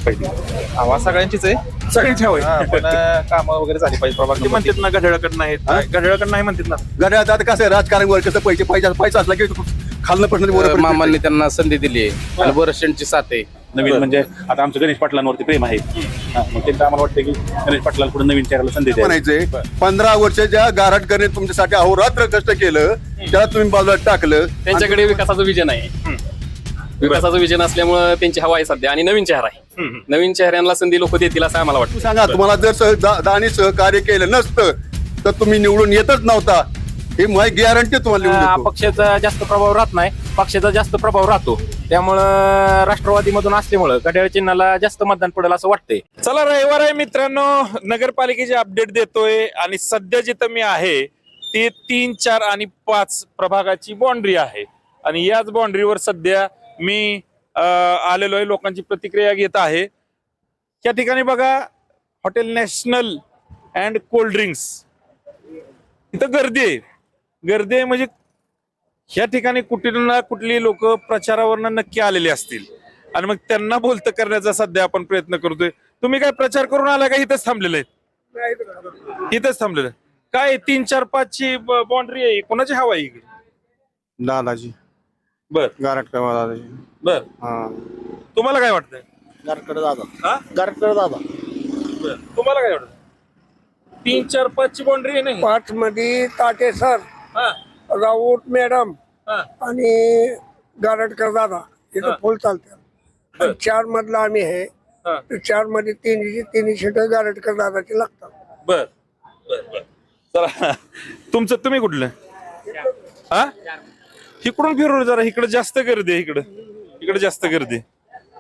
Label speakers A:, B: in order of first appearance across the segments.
A: पाहिजे?
B: हवा सगळ्यांचीच आहे.
A: सगळ्यांची हवं
B: हा, पण कामं वगैरे झाली पाहिजे प्रभाग
A: ते म्हणतात ना घड्याळकडे नाहीत, घड्याळकडे नाही म्हणतात ना.
C: गड्यात आता कसं आहे राजकारण कसं पैसे पैसा पैसा असला की खाल्लं प्रश्न
D: मामांनी त्यांना संधी दिली आहे आणि बरसच्यांची साथ आहे.
A: नवीन म्हणजे आता आमचं गणेश पाटलांवरती प्रेम आहे. मग त्यांचं आम्हाला वाटतं की गणेश पाटलांना पुढे नवीन चेहऱ्याला संधी द्या.
C: म्हणायचंय 15 वर्ष ज्या गारटकरने तुमच्यासाठी अहोरात्र कष्ट केलं त्याला तुम्ही बाजूला टाकलं.
E: त्यांच्याकडे विकासाचं विजन आहे. विकासाचं विजन असल्यामुळे त्यांची हवा आहे सध्या आणि नवीन चेहरा आहे. नवीन चेहऱ्यांना संधी लोक देतील असं आम्हाला वाटतं.
C: तुम्ही सांगा तुम्हाला जर दानी सहकार्य केलं नसतं तर तुम्ही निवडून येतच नव्हता. हे माझी गॅरंटी तुम्हाला लिहून देतो.
B: पक्षाचा जास्त प्रभाव राहत नाही, पक्षाचा जास्त प्रभाव राहतो. त्यामुळं राष्ट्रवादीमधून असल्यामुळं घड्याळ चिन्हाला जास्त मतदान पडेल असं वाटतंय.
A: चला रविवार आहे मित्रांनो, नगरपालिकेचे अपडेट देतोय आणि सध्या जिथं मी आहे ती 3, 4 आणि 5 प्रभागाची बाउंड्री आहे आणि याच बाउंड्रीवर सध्या मी आलेलो आहे, लोकांची प्रतिक्रिया घेत आहे. त्या ठिकाणी बघा hotel national and cold drinks, इथं गर्दी आहे. गर्दी आहे म्हणजे ह्या ठिकाणी कुठली ना कुठली लोक प्रचारावरनं नक्की आलेले असतील आणि मग त्यांना बोलतं करण्याचा सध्या आपण प्रयत्न करतोय. तुम्ही काय प्रचार करून आला का इथंच थांबलेले आहेत? इथंच थांबलेलं काय 3, 4, 5 ची बाउंड्री आहे, कोणाची हवा आहे इकडे?
F: दादाजी
A: बर
F: गारटकर दादाजी.
A: बर, तुम्हाला काय वाटतंय?
F: गारटकर दादा.
A: हा
F: गारटकर दादा.
A: बर, तुम्हाला काय वाटतं? 3, 4, 5 ची बाउंड्री आहे नाही?
G: 5 मध्ये ताटे सर,
A: हा
G: राऊत मॅडम
A: हा
G: आणि गारटकर दादा इथं फुल चालतात. 4 मधला आम्ही आहे.
A: हा.
G: 4 मध्ये तिन्ही सीट गारटकर दादाची लागतात.
A: बर बर बर, चला तुम्ही कुठलं? हा, इकडून फिरून जरा, इकडे जास्त गर्दी आहे. इकडे जास्त गर्दी आहे.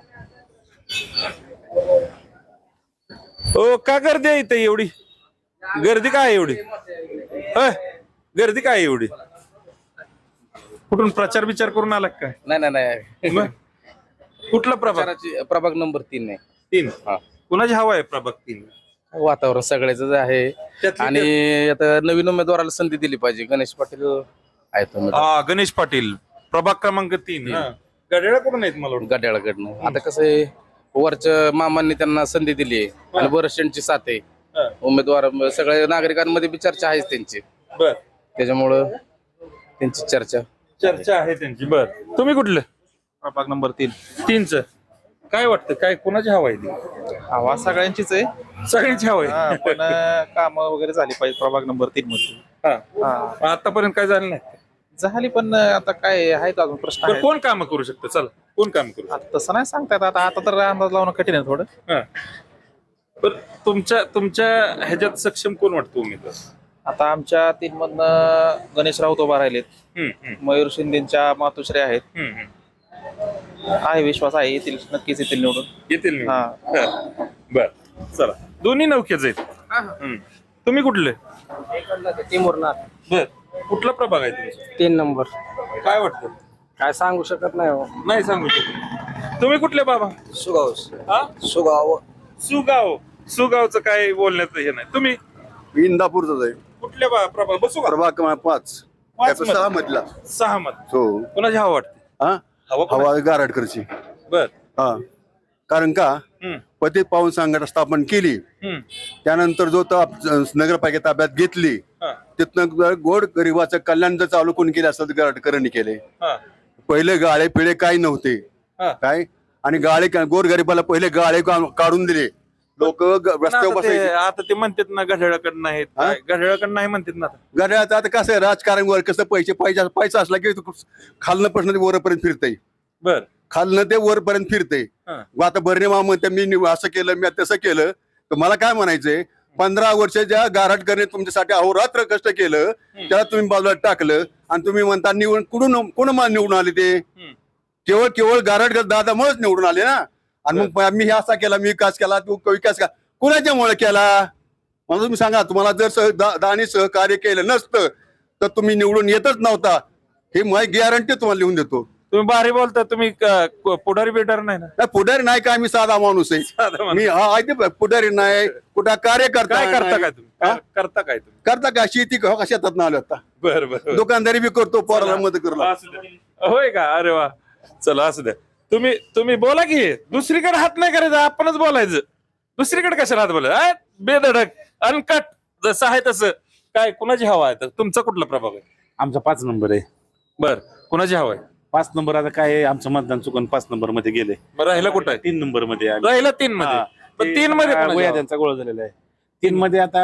A: हो, का गर्दी आहे इथे एवढी? गर्दी काय आहे एवढी? गर्दी काय आहे एवढी? कुठून प्रचार विचार करून आला काय?
D: नाही
A: मग? कुठला प्रभाग?
D: प्रभाग नंबर 3 आहे.
A: 3.
D: हा.
A: कुणाची हवा आहे प्रभाग 3?
D: वातावरण सगळ्याच आहे
A: त्यातली
D: आणि आता नवीन उमेदवाराला संधी दिली पाहिजे. गणेश पाटील आहेत उमेदवार
A: हा, गणेश पाटील प्रभाग क्रमांक 3. गड्याळा कुठून आहेत मला वाटतं?
D: गड्याळकडनं. आता कसं आहे वरच्या मामांनी त्यांना संधी दिली आहे आणि बरसच्यांची साथ आहे. उमेदवार सगळ्या नागरिकांमध्ये बी चर्चा आहेच त्यांची,
A: बर,
D: त्याच्यामुळं त्यांची
A: चर्चा आहे त्यांची. बर, तुम्ही कुठलं?
B: प्रभाग नंबर 3.
A: 3च. काय वाटतं, काय कोणाची हवा आहे ती?
B: हवा सगळ्यांचीच आहे.
A: सगळ्यांची हवा
B: हा,
A: आहे.
B: पण कामं वगैरे झाली पाहिजे प्रभाग नंबर 3 मध्ये.
A: हा. आतापर्यंत काय झालं नाही.
B: झाली पण आता काय आहेत अजून प्रश्न
A: तर
B: आहेत.
A: कोण काम करू शकतं? चला, कोण काम करू
B: आता तसं नाही सांगता येत. आता तर अंदाज लावणं कठीण आहे थोडं.
A: शकतं? पण तुमच्या ह्याच्यात सक्षम कोण वाटतो उमेदवार?
B: आता आमच्या 3 मधनं गणेश राऊत उभा राहिलेत. मयूर शिंदेच्या मातोश्री आहेत. आहे, विश्वास आहे येतील, नक्कीच येतील निवडून.
A: येतील
B: हा.
A: बर, चला, दोन्ही नौकेच आहेत. तुम्ही कुठले? बर, कुठला प्रभाग आहे तुमचा?
G: 3 नंबर.
A: काय वाटतं?
G: काय सांगू शकत नाही हो.
A: नाही सांगू शकत. तुम्ही कुठले बाबा?
G: सुगाव
A: हा,
G: सुगाव
A: सुगावचं काय बोलण्याचं हे नाही. तुम्ही
C: इंदापूरचाच आहे.
A: कुठल्या प्रभाग? बसू का?
C: प्रभाग क्रमांक 5
A: 5 मध्ये.
C: 6 मधला.
A: 6 मध्ये.
C: हो.
A: कोणाची हवा वाटते?
C: हा,
A: हवा कोणाची?
C: हवा गारटकरची.
A: बर.
C: हा, कारण का पतित पावन संघटना स्थापन केली त्यानंतर जो नगरपालिका ताब्यात घेतली
A: हा.
C: तिथनं गोड गरिबाचं कल्याण जर चालू कोणी केलं असतं गारटकरांनी केले.
A: हा.
C: पहिले गाळे पिळे काही नव्हते.
A: हा.
C: काय आणि गाळे गोर गरिबाला पहिले गाळे काढून दिले. लोक रस्त्यावर
A: आता
C: बसायचे.
A: आता ते म्हणतात ना घड्याळाकडे नाहीत, घड्याळाकडे नाही म्हणतात ना आता.
C: गड्याचं आता कसं आहे राजकारण वर कसं पैसा असला की खालनं प्रश्न वरपर्यंत फिरतय.
A: बर.
C: खालनं ते वरपर्यंत फिरतय. आता बर्णे मामा म्हणते मी असं केलं मी तसं केलं. तर मला काय म्हणायचंय 15 वर्ष ज्या गारटकरने तुमच्यासाठी अहोरात्र कष्ट केलं त्याला तुम्ही बाजूला टाकलं आणि तुम्ही म्हणता निवडून कोण निवडून आले ते? केवळ गारटकर दादा मुळेच निवडून आले ना. आणि मग मी हे असा केला, मी विकास केला, तू विकास केला, कुणाच्यामुळे केला? मला तुम्ही सांगा. तुम्हाला जर दानी सहकार्य केलं नसतं तर तुम्ही निवडून येतच नव्हता. हे माझी गॅरंटी तुम्हाला लिहून देतो.
A: तुम्ही भारी बोलता. तुम्ही पुढारी बेटर नाही ना?
C: पुढारी नाही का, मी साधा माणूस आहे. मी पुढारी नाही, कुठं कार्यकर्ता.
A: काय करता काय तुम्ही? करता काय तुम्ही?
C: करता का शेती शेतात ना आलो आता.
A: बर बर.
C: दुकानदारी बी करतो, पोराला मदत करतो.
A: असू द्या. होय का? अरे वा, चला असू द्या. तुम्ही बोला की दुसरीकडे हात नाही करायचा, आपणच बोलायचं. दुसरीकडे कशाला हात बोलायचं? बेधडक अनकट जसं आहे तसं. काय कुणाची हवा आहे? तर तुमचा कुठला प्रभाग आहे?
H: आमचा 5 नंबर आहे.
A: बर, कुणाची हवा आहे?
H: 5 नंबर आता काय आहे, आमचं मतदान चुकून 5 नंबर मध्ये गेले.
A: बरं, राहिला कुठं आहे?
H: 3 नंबर मध्ये आहे आम्ही.
A: राहिला 3 मध्ये.
H: हा.
A: पण
H: ते
A: 3 मध्ये
H: आता
A: कोणाची
H: वया
A: हवा?
H: त्यांचा गोळ झालेला आहे. 3 मध्ये आता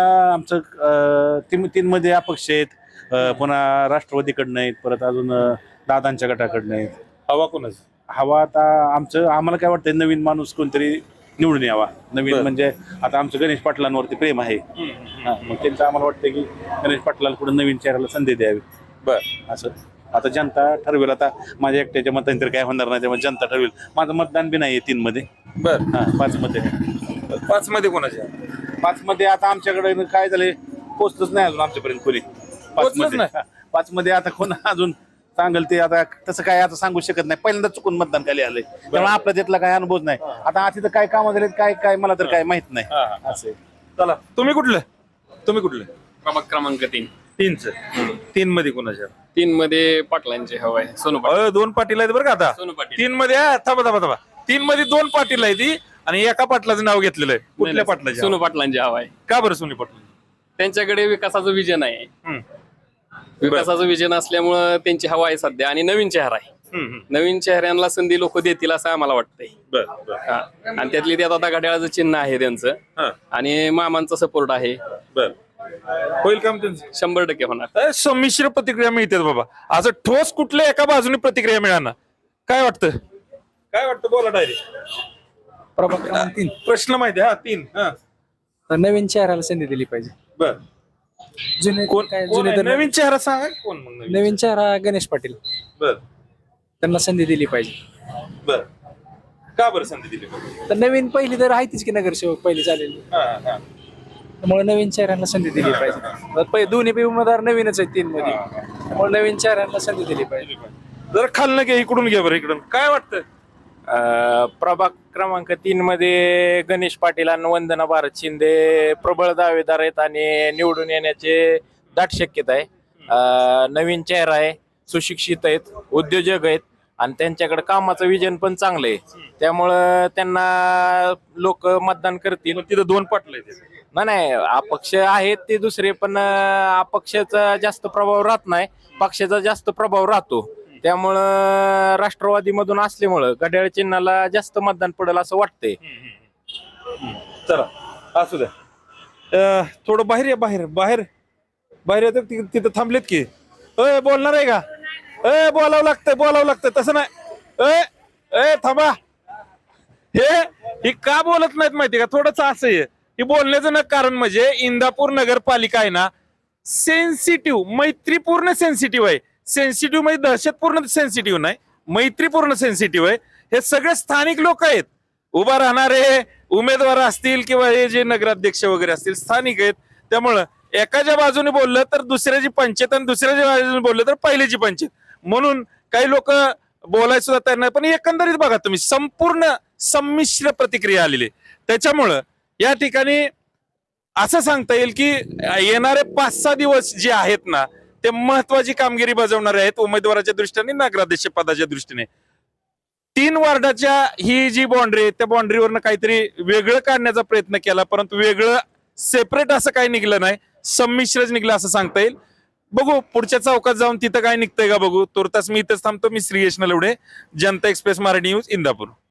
H: आमचं 3 मध्ये अपक्ष आहेत. पुन्हा राष्ट्रवादीकडनं आहेत, परत अजून दादांच्या गटाकडनं आहेत.
A: हवा कोणाची?
H: हवा आता आम्हाला काय वाटतंय, नवीन माणूस कोणतरी निवडून यावा. नवीन
A: बरं.
H: म्हणजे आता आमचं गणेश पाटलांवरती प्रेम आहे. हा, मग त्यांचं आम्हाला वाटतं की गणेश पाटलाला कुठं नवीन चेहऱ्याला संधी द्यावी.
A: बर,
H: असं आता जनता ठरवेल. आता माझ्या एकट्याच्या मतांनी तर काय होणार नाही, त्यामुळे जनता ठरवेल. माझं मतदान बी नाही 3 मध्ये.
A: बर.
H: 5 मध्ये.
A: 5 मध्ये कोणाची हवा?
H: 5 मध्ये आता आमच्याकडे काय झालंय, पोचतच नाही अजून आमच्यापर्यंत कोणी. 5
A: पोचलंच
H: मध्ये
A: नाही?
H: 5 मध्ये आता कोण अजून सांगेल ते आता तसं काय आता सांगू शकत नाही. पहिल्यांदा चुकून मतदान खाली आलंय, त्यामुळे आपला त्यातला काय अनुभव नाही. आता तिथं काय कामं झालेत काय मला तर काय माहित नाही.
A: हा, हा.
H: असं आहे.
A: चला, तुम्ही कुठलं?
E: प्रभाग क्रमांक 3.
A: 3च. 3 मध्ये कोणाची हवा?
E: 3 मध्ये पाटलांची हवा आहे. सोनू पाटील.
A: 2 पाटील आहेत बरं का आता.
E: सोनू पाटील.
A: 3 मध्ये थांबा 3 मध्ये 2 पाटील आहे ती, आणि एका पाटलाचं नाव घेतलेलं आहे. कुठल्या पाटलाची
E: सोनू
A: हवा?
E: पाटलांची हवा आहे.
A: का बरं सोनी पाटील?
E: त्यांच्याकडे विकासाचं विजन आहे. विकासाचं विजन असल्यामुळं त्यांची हवा आहे सध्या, आणि नवीन चेहरा आहे. नवीन चेहऱ्यांना संधी लोक देतील असं आम्हाला वाटतंय. हा. आणि त्यातली त्यात आता घड्याळाचं चिन्ह आहे त्यांचं, आणि मामांचा सपोर्ट आहे.
A: बर, होईल काम त्यांचं?
E: 100% होणार.
A: संमिश्र प्रतिक्रिया मिळतात बाबा. असं ठोस कुठल्या एका बाजूने प्रतिक्रिया मिळणार. काय वाटतं बोला डायरेक्ट.
I: प्रभाग क्रमांक 3.
A: प्रश्न माहिती आहे? 3.
I: तर नवीन चेहऱ्याला संधी दिली पाहिजे.
A: बर,
I: जुने
A: कोण
I: काय
A: कोण
I: जुने
A: आहे?
I: तर
A: नवीन चेहरा सांगा. कोण मग नवीन?
I: नवीन चेहरा गणेश पाटील,
A: बर
I: त्यांना संधी दिली पाहिजे.
A: बर, का बरं संधी दिली पाहिजे?
I: तर नवीन पहिली तर आहेच की नगरसेवक पहिली चालेल, त्यामुळे नवीन चेहऱ्यांना संधी दिली पाहिजे. दोन्ही बी उमेदवार नवीनच आहेत 3 मध्ये, त्यामुळे नवीन चेहऱ्यांना संधी दिली पाहिजे.
A: जर खाल्लं घ्या, इकडून घ्या बरं. इकडून काय वाटतं?
J: प्रभाग क्रमांक 3 मध्ये गणेश पाटील आणि वंदना भारत शिंदे प्रबळ दावेदार आहेत, आणि निवडून येण्याचे दाट शक्यता आहे. नवीन चेहरा आहे, सुशिक्षित आहेत, उद्योजक आहेत, आणि त्यांच्याकडे कामाचं विजन पण चांगलं आहे. त्यामुळं त्यांना लोक मतदान करतील.
A: तिथं 2 पाटलं आहेत.
J: नाही, अपक्ष आहेत ते दुसरे, पण अपक्षाचा जास्त प्रभाव राहत नाही, पक्षाचा जास्त प्रभाव राहतो. त्यामुळं राष्ट्रवादीमधून असल्यामुळं घड्याळ चिन्हाला जास्त मतदान पडेल असं वाटतंय.
A: चला, असू द्या. थोडं बाहेर या. बाहेर येतं. तिथं थांबलेत की. बोलणार आहे का? बोलावं लागतं. तसं नाही. थांबा. हे का बोलत नाहीत माहिती का? थोडंसं असं आहे. हे बोलण्याचं ना कारण म्हणजे इंदापूर नगरपालिका आहे ना, सेन्सिटिव्ह, मैत्रीपूर्ण सेन्सिटिव्ह आहे. सेन्सिटिव्ह म्हणजे दहशतपूर्ण सेन्सिटिव्ह नाही, मैत्रीपूर्ण सेन्सिटिव्ह आहे. हे सगळे स्थानिक लोक आहेत. उभा राहणारे उमेदवार असतील किंवा हे जे नगराध्यक्ष वगैरे असतील, स्थानिक आहेत. त्यामुळं एकाच्या बाजूने बोललं तर दुसऱ्याची पंचायत, आणि दुसऱ्याच्या बाजूने बोललं तर पहिल्याची पंचायत. म्हणून काही लोक बोलायला सुद्धा तयार नाही. पण एकंदरीत बघा तुम्ही, संपूर्ण संमिश्र प्रतिक्रिया आलेली. त्याच्यामुळं या ठिकाणी असं सांगता येईल की येणारे 5-6 दिवस जे आहेत ना, ते महत्वाची कामगिरी बजावणारे आहेत उमेदवाराच्या दृष्टीने, नगराध्यक्ष पदाच्या दृष्टीने. 3 वार्डाच्या ही जी बाउंड्री आहे, त्या बाउंड्रीवरनं काहीतरी वेगळं काढण्याचा प्रयत्न केला, परंतु वेगळं सेपरेट असं काही निघलं नाही, संमिश्रच निघलं असं सांगता येईल. बघू पुढच्या चौकात जाऊन तिथं काय निघतंय का बघू. तुर्तास मी इथंच थांबतो. मी श्रीयश नलवडे, जनता एक्सप्रेस मराठी न्यूज, इंदापूर.